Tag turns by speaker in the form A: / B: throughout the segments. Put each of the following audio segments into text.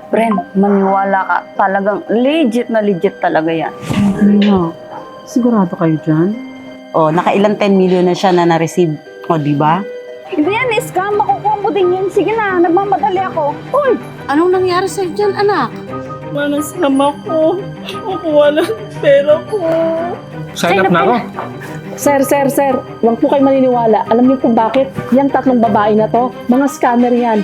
A: Friend, maniwala ka. Talagang legit na legit talaga yan.
B: Ano? Sigurado kayo dyan?
C: O, nakailang 10 million na siya na na-receive. O, di ba?
A: Hindi yan, scam. Makukuha mo din yan. Sige na, nagmamadali ako. Uy!
D: Anong nangyari sa'yo dyan, anak?
B: Manasama ko. Makuha lang pera ko.
E: Sign up na ako.
B: Sir. Huwag po kayo maniniwala. Alam niyo kung bakit? Yang tatlong babae na to, mga scammer yan.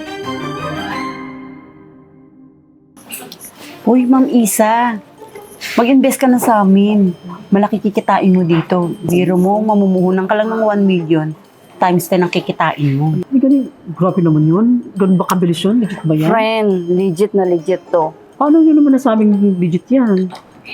C: Uy, Ma'am Isa. Mag-invest ka na sa amin. Malaki kikitain mo dito. Biro mo, mamumuhunan ka lang ng 1 million. Times 10 ang kikitain mo.
B: Ay, ganun. Grabe naman yun. Ganun ba kabilis yun? Legit ba yan?
A: Friend, legit na legit to.
B: Paano nyo naman nasabing legit yan?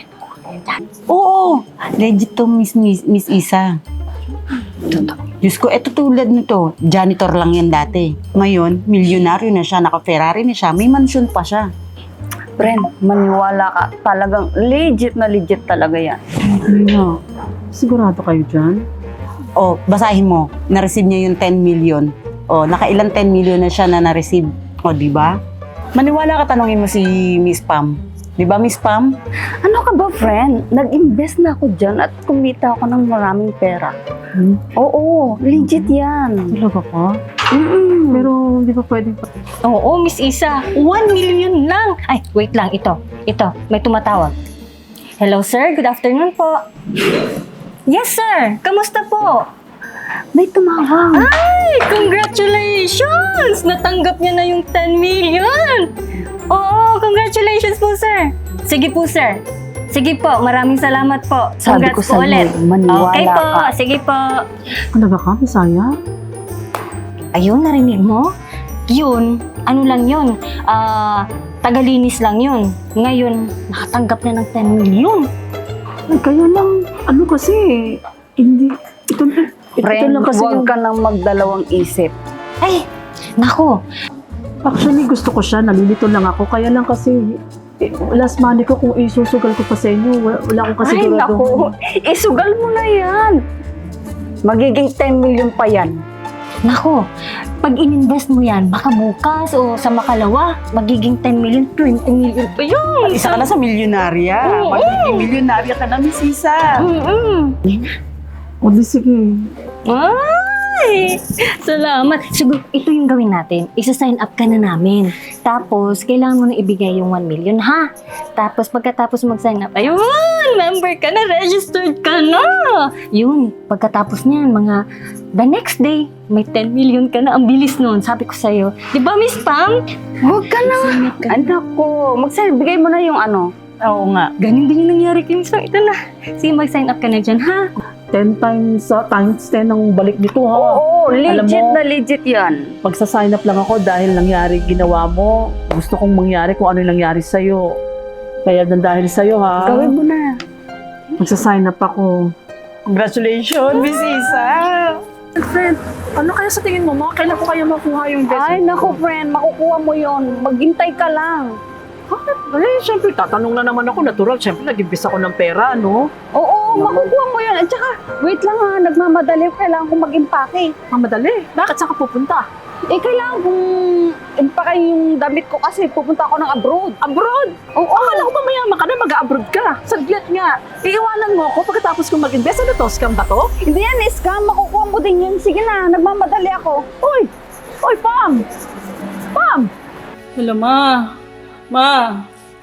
C: Oo, legit to, Miss Isa. Diyos ko, eto tulad nito. Janitor lang yan dati. Ngayon, milyonaryo na siya, naka-Ferrari na siya, may mansion pa siya.
A: Friend, maniwala ka. Talagang legit na legit talaga yan.
B: Ano? Sigurado kayo dyan?
C: O, basahin mo, na-receive niya yung 10 million. O, nakailang 10 million na siya na na-receive. O, di ba? Maniwala ka, tanongin mo si Miss Pam. Di ba, Miss Pam?
A: Ano ka ba, friend? Nag-invest na ako dyan at kumita ako ng maraming pera. Oo, legit yan.
B: Talaga ka?
A: Mm-mm.
B: Pero hindi pa pwedeng...
D: Oo, Miss Isa. 1 million lang. Ay, wait lang. Ito, may tumatawag. Hello, sir. Good afternoon po. Yes, sir. Kamusta po?
A: May tumawag.
D: Ay, congratulations! Natanggap niya na yung 10 million. Oo, congratulations po, sir. Sige po, sir. Sige po, maraming salamat po.
A: Sabi
D: Congrats
A: ko
D: po
A: sa'yo,
D: ulit.
A: maniwala
D: Okay po,
A: ka.
D: sige po.
B: Talaga ka, Bisaya?
D: Ayun, narinig mo? Yun, ano lang yun? Tagalinis lang yun. Ngayon, nakatanggap na ng 10 million.
B: Ay, kaya lang, ano kasi, hindi, ito
A: Friend,
B: lang kasi
A: huwag
B: yung,
A: ka nang magdalawang isip.
D: Ay, nako.
B: actually gusto ko siya, nalilito lang ako, kaya lang kasi, last money ko kung isusugal ko pa sa inyo, wala akong kasi
A: Ay, naku. Isugal mo na yan. Magiging 10 million pa yan.
D: Nako, pag ininvest mo yan, baka bukas o sa makalawa, magiging 10 million, 20 million pa yun.
C: Isa ka na sa milyonarya. Magiging milyonarya ka na, Miss Isa.
B: O di sige,
D: Ay! Salamat. Siguro, ito yung gawin natin. Isa-sign up ka na namin. Tapos, kailangan mo na ibigay yung 1 million, ha? Tapos, pagkatapos mag-sign up, ayun! Member ka na! Registered ka na! Yun, pagkatapos niyan, the next day, may 10 million ka na. Ang bilis nun, sabi ko sa'yo. Di ba, Miss Pam?
A: Huwag ka na. Anak ko, bigay mo na yung ano.
C: Oo nga.
D: Ganun din yung nangyari kay Miss Pam. Ito na. Sige, mag-sign up ka na dyan, ha?
B: 10 times 10 ang balik nito ha.
A: Oo,
B: Alam
A: legit
B: mo,
A: na legit yan.
B: Magsa-sign up lang ako dahil nangyari ginawa mo. Gusto kong mangyari kung ano yung nangyari sa'yo. Kaya dahil sa'yo ha.
A: Gawin mo na.
B: Magsa-sign up ako.
C: Congratulations, Miss Isa.
B: Friend, ano kaya sa tingin mo? Kailan ko kaya makuha yung
A: Ay, naku friend, makukuha mo yon. Maghintay ka lang.
B: Eh, syempre, tatanong na naman ako. Natural, syempre, nag-invest ako ng pera, no?
A: Oo, makukuha mo yon. At saka, wait lang ha, nagmamadali. Kailangan kong mag-impake.
B: Mamadali. Bakit saan ka pupunta?
A: Eh, kailangan kong impake yung damit ko kasi pupunta ako ng abroad.
B: Abroad?
A: Oo,
B: Akala ko ba mayaman ka na, mag-abroad ka. Saglit nga. Iiwanan mo ako pagkatapos kong mag-invest. Ano to? Scam ba to?
A: hindi yan, scam. Makukuha mo din yun. Sige na, nagmamadali ako.
B: Uy! Uy, Pam! Pam!
F: Hello, Ma. Ma.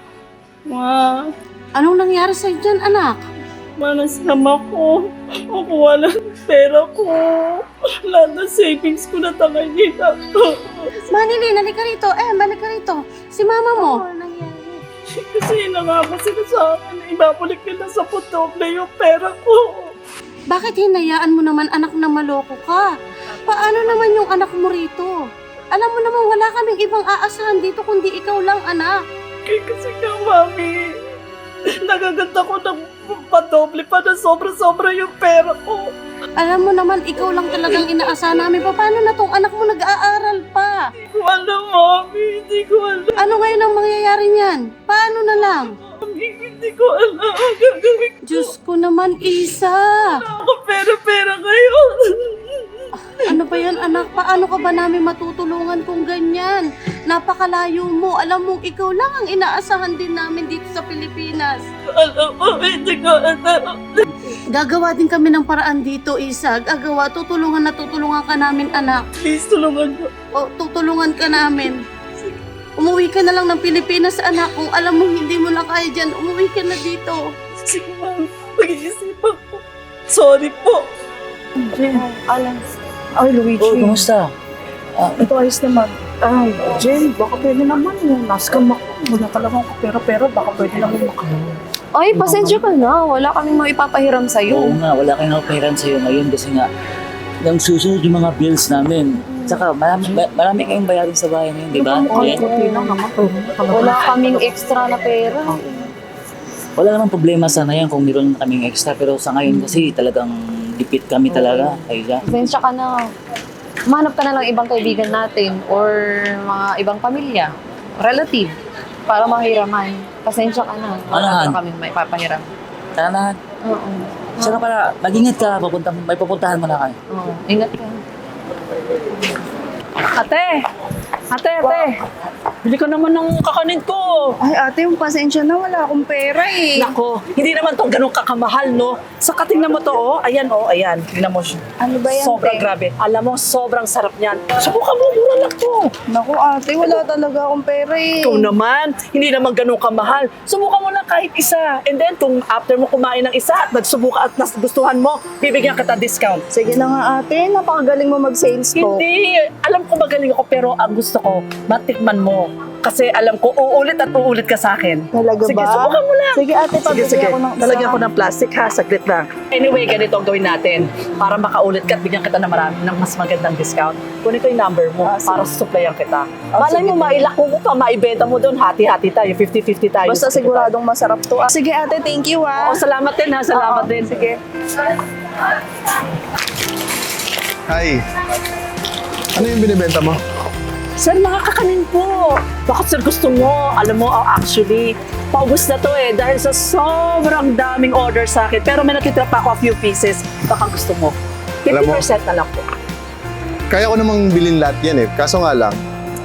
D: Anong nangyari sa'yo dyan, anak?
F: Ma, nasama ko. Makuha lang pera ko. Lahat ng savings ko na tangay na.
D: Manili, nalika rito. Balik ka rito. Si mama mo.
F: Kasi nangako sila sa akin na ibabalik nila sa putoble yung pera ko.
D: Bakit hinayaan mo naman anak na maloko ka? Paano naman yung anak mo rito? Alam mo naman wala kaming ibang aasahan dito kundi ikaw lang, anak.
F: Kasi nga, Mami, nagaganda ko ng padoble pa na sobra-sobra yung pera ko.
D: Alam mo naman ikaw lang talagang inaasahan namin. Paano na tong anak mo nag-aaral pa?
F: Hindi ko alam, Mami. Hindi ko alam.
D: Ano ngayon ang mangyayari niyan? Paano na lang?
F: Mami, hindi ko alam ang gagawin ko.
D: Diyos ko naman, Isa.
F: Ako pera-pera ngayon. Ano ba yan, anak? Paano ka ba namin matutulungan kung ganyan? Napakalayo mo. Alam mo, ikaw lang ang inaasahan din namin dito sa Pilipinas. Alam mo, hindi ko alam. Gagawa din kami ng paraan dito, Isa. Gagawa, tutulungan ka namin, anak. Please, tulungan mo. O, tutulungan ka namin. Umuwi ka na lang ng Pilipinas, anak. Kung alam mo hindi mo na kaya dyan, umuwi ka na dito. Sige, ma'am. Pag-iisipan ko. Sorry po.
B: Ay, Luigi.
G: Oh, kumusta?
B: Ito ayos naman. Jen, baka pwede naman yung naskam ako. Wala talagang pera-pera, baka pwede naman makaroon.
A: Ay, pasensya ka na. Wala kaming maipapahiram
G: Oo
A: sa'yo.
G: nga, wala kayong napahiran sa'yo ngayon kasi nga, nang susunod yung mga bills namin. Tsaka marami kayong bayarin sa bahay na yun, di ba?
B: Ay,
G: Jen?
B: okay lang naman.
A: Wala kaming extra na pera.
G: Wala namang problema sana yan kung meron kaming extra. Pero sa ngayon kasi talagang dipit kami talaga. Ayun.
H: Pasensya ka na. Manap ka na lang ibang kaibigan natin or mga ibang pamilya, relative, para mahiraman. Pasensya ka na.
G: Ano, Han?
H: kami may papahiram.
G: Tara na.
H: Oo.
G: Saka pala, mag-ingat ka. May pupuntahan mo na kayo.
H: Oo. Ingat ka.
B: Ate! Bili ka naman ng kakanin ko.
A: Ay, ate, yung pasensya na. Wala akong pera eh.
B: Nako, hindi naman to ganun kakamahal, no? Saka tingnan mo to, oh. Ayan, oh, ayan. Tingnan mo siya.
A: Ano ba yan,
B: Sobrang
A: te?
B: grabe. Alam mo, sobrang sarap niyan. Subukan mo, mura lang to.
A: Naku, ate, wala talaga akong pera eh.
B: Ikaw naman, hindi naman ganun kamahal. Subukan mo lang kahit isa. And then, kung after mo kumain ng isa at nagsubukan at nagustuhan mo, bibigyan kita discount.
A: Sige na nga, ate. Napakagaling mo mag-sales ko.
B: Hindi. Alam ko magaling ako, pero ang gusto ko, matikman mo. Kasi alam ko, uulit at uulit ka sa akin.
A: Talaga
B: Sige,
A: ba?
B: subukan mo lang.
A: Sige, ate, pabili ako ng isa.
B: Talagyan ko ng plastic ha, saglit lang. Anyway, ganito ang gawin natin. Para makaulit ka at bigyan kita ng marami ng mas magandang discount. Kunin ko yung number mo para supplyan kita. Malay mo, mailako mo pa, maibenta mo doon. Hati-hati tayo, 50-50 tayo.
A: Basta siguradong masarap to. Sige, ate, thank you
B: Oo, salamat din ha, salamat din.
A: Sige.
E: Hi. Ano yung binibenta mo?
B: Sir, mga kakanin po. Bakit sir gusto mo? Alam mo, actually, paubos na to eh. Dahil sa sobrang daming order sa akin. Pero may nakitira pa ako a few pieces. Baka gusto mo.
E: Alam mo-
B: 50% na lang po.
E: Kaya ko namang bilhin lahat yan eh. Kaso nga lang,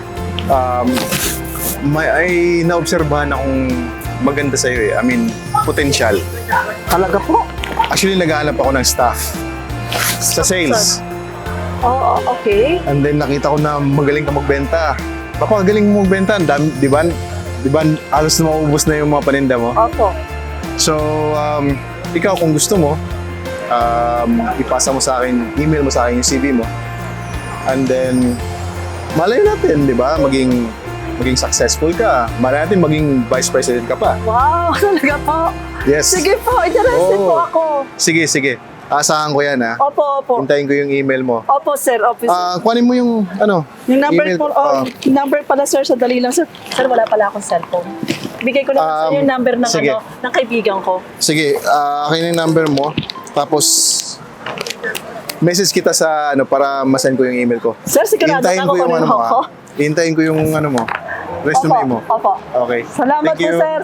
E: ay naobserbahan akong maganda sa'yo eh. I mean, potential.
B: Talaga po?
E: Actually, naghahanap ako ng staff sa sales.
B: Oo, okay.
E: And then nakita ko na magaling ka magbenta. Baka magaling mo magbenta. Ang dami, di ba? Di ba, halos na maubos na yung mga paninda mo.
B: Opo.
E: So, ikaw kung gusto mo, ipasa mo sa akin, email mo sa akin yung CV mo. And then, malay natin, di ba? Maging successful ka. Malay natin maging vice president ka pa.
B: Wow, talaga po.
E: Yes.
B: Sige po, interested
E: Oo.
B: po ako.
E: Sige, sige. Asahan ko yan, ha?
B: Opo, opo.
E: Hintayin ko yung email mo.
B: Opo, sir. Opo, sir.
E: Kuhanin mo yung,
B: Yung number
E: email
B: po,
E: ko.
B: yung number pala, sir. Sandali lang, sir. Sir, wala pala akong cellphone. Bigay ko na sa yung number ng,
E: sige.
B: ng kaibigan ko.
E: Sige, akin yung number mo. Tapos, message kita sa, para masend ko yung email ko.
B: Sir, sigurado
E: Hintayin
B: ako
E: ko yung
B: kung
E: ano mo,
B: ako.
E: ha? Hintayin ko yung mo. Resume mo.
B: Opo.
E: Okay.
B: Salamat
E: Thank
B: po,
E: you.
B: sir.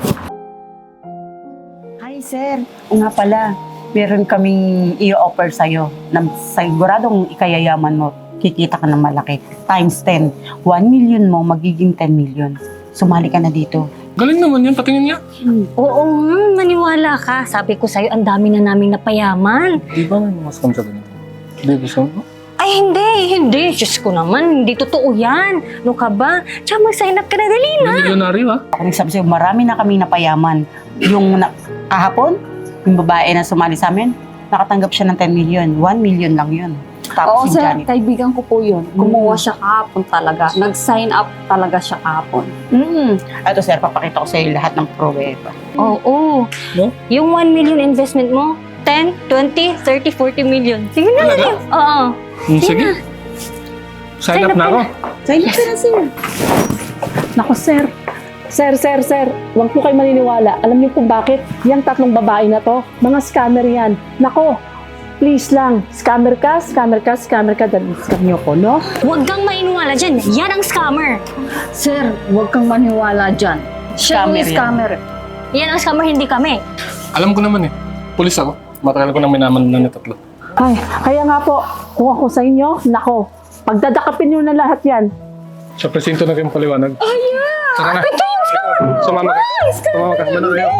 C: Hi, sir. O nga pala, meron kaming i-offer sa'yo na siguradong ikayayaman mo, kikita ka ng malaki. Times 10. 1 million mo, magiging 10 million. Sumali ka na dito.
E: Galing naman yan, patingin niya.
D: Oo, maniwala ka. Sabi ko sa'yo, ang dami na naming napayaman.
E: Di ba may mas kami sa ganito? Di gusto mo?
D: Ay, hindi. Diyos ko naman, hindi totoo yan. Ano ka ba? Tsaka mag-sign up ka na, dali na.
E: Milyonaryo, ha?
C: Ako nagsabi sa'yo, marami na kaming napayaman. Yung kahapon, yung babae na sumali sa amin, nakatanggap siya ng 10 million. 1 million lang yun.
A: Oo,
C: Tapos si
A: sir.
C: Janet.
A: Kaibigan ko po yun. Kumuha siya kahapon talaga. Nag-sign up talaga siya kahapon.
C: Ito sir, papakita ko sa'yo lahat ng pruweba.
D: Oo.
E: No?
D: Yung 1 million investment mo, 10, 20, 30, 40 million. Sige na, dali. Oo.
E: Sige. Sign up na ako.
C: Sa'yo na sir.
B: Naku, sir. Sir. Huwag po kayo maniniwala. Alam niyo po bakit? Yang tatlong babae na to, mga scammer yan. Nako, please lang. Scammer ka, dahil scam niyo ko, no?
D: Huwag kang maniwala dyan. Yan ang scammer.
A: Sir, huwag kang maniwala dyan. Siya yung
C: Scammer yan.
A: scammer.
D: Yan ang scammer, hindi kami.
E: Alam ko naman eh. Pulis ako. Matagal ko nang minaman na tatlo.
B: Ay, kaya nga po, Kung ako sa inyo, nako, pagdadakapin nyo na lahat yan.
I: Sa presinto na kayong paliwanag. Tara na. Sumama ka. Sumama ka. Sumama kayo.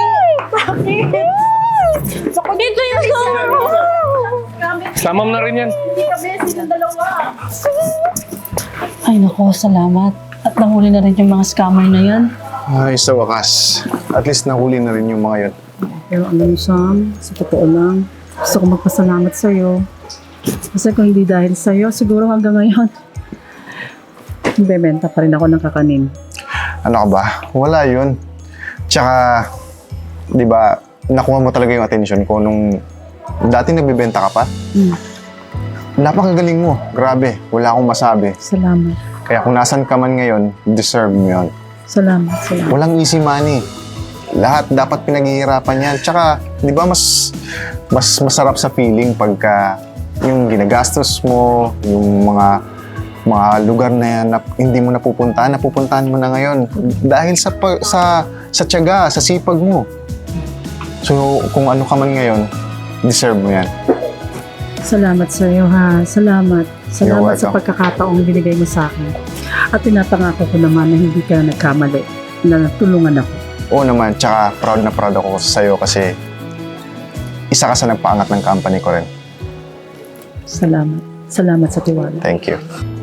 F: Dito yung soro.
I: Sama mo na rin yan.
C: Ay nako, salamat. At nahuli na rin yung mga scammer na yan.
E: Ay, sa wakas. At least nahuli na rin yung mga yun.
J: Pero alam mo, Sam, sa totoo lang, gusto ko magpasalamat sa'yo. Kasi kung hindi dahil sa'yo, siguro hanggang ngayon, bebenta pa rin ako ng kakanin.
E: Ano ka ba? Wala yun. Tsaka, di ba, nakuha mo talaga yung atensyon ko nung dati nagbebenta ka pa. Napakagaling mo. Grabe. Wala akong masabi.
J: Salamat.
E: Kaya kung nasan ka man ngayon, deserve mo yun.
J: Salamat.
E: Walang easy money. Lahat dapat pinaghihirapan yan. Tsaka, di ba, mas masarap sa feeling pagka yung ginagastos mo, yung mga lugar na yan na hindi mo napupuntahan mo na ngayon. Dahil sa tiyaga, sa sipag mo. So, kung ano ka man ngayon, deserve mo yan.
J: Salamat sa'yo, ha. Salamat. Salamat sa
E: welcome.
J: pagkakataong binigay mo sa akin. At pinapangako ko naman na hindi ka nagkamali, na tulungan ako.
E: Oo naman, tsaka proud na proud ako sa'yo kasi isa ka sa nagpaangat ng company ko rin.
J: Salamat. Salamat sa tiwala.
E: Thank you.